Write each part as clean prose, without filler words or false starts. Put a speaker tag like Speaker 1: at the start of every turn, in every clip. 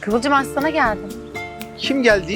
Speaker 1: Kıvılcım Aslan'a geldim.
Speaker 2: Kim geldi?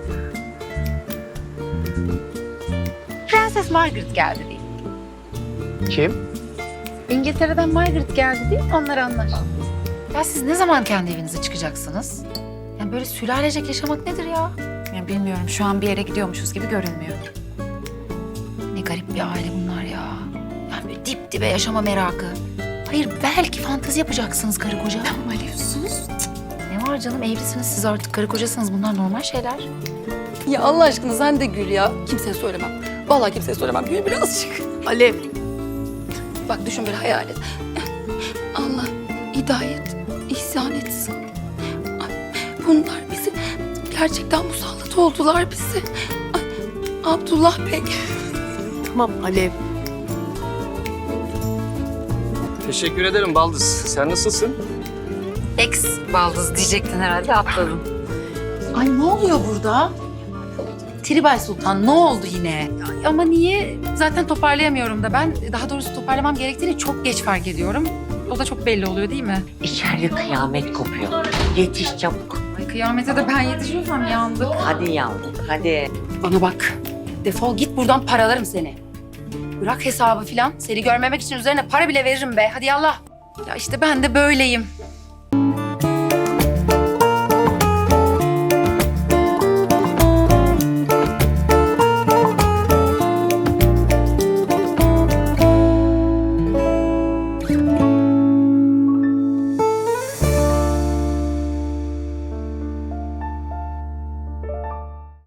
Speaker 1: Prenses Margaret geldi değil.
Speaker 2: Kim?
Speaker 1: İngiltere'den Margaret geldi değil, onlar anlar.
Speaker 3: Ya siz ne zaman kendi evinize çıkacaksınız? Yani böyle sülalecek yaşamak nedir ya? Yani bilmiyorum, şu an bir yere gidiyormuşuz gibi görünmüyor. Ne garip bir aile bunlar ya. Yani böyle dip dibe yaşama merakı. Hayır, belki fantezi yapacaksınız karı koca.
Speaker 1: Malev sus.
Speaker 3: Ne var canım, evlisiniz siz artık, karı kocasınız, bunlar normal şeyler.
Speaker 4: Ya Allah aşkına sen de gül ya. Kimseye söylemem. Vallahi kimseye söylemem. Gül birazcık.
Speaker 1: Alev.
Speaker 4: Bak düşün, bir hayal et. Allah hidayet, ihsan etsin. Ay, bunlar bizi gerçekten musallat oldular bize. Ay, Abdullah Bey.
Speaker 1: Tamam Alev.
Speaker 5: Teşekkür ederim Baldız. Sen nasılsın?
Speaker 3: Ex baldız diyecektin herhalde, atladın.
Speaker 1: Ay ne oluyor burada?
Speaker 3: Tribal Sultan ne oldu yine?
Speaker 1: Ama niye?
Speaker 3: Zaten toparlayamıyorum da ben. Daha doğrusu toparlamam gerektiğini çok geç fark ediyorum. O da çok belli oluyor değil mi?
Speaker 6: İçeride kıyamet kopuyor. Yetiş çabuk.
Speaker 3: Ay kıyamete de ben yetişiyorsam yandık.
Speaker 6: Hadi yavrum, hadi.
Speaker 4: Bana bak. Defol git buradan, paralarım seni. Bırak hesabı filan. Seni görmemek için üzerine para bile veririm be. Hadi yallah.
Speaker 3: Ya işte ben de böyleyim.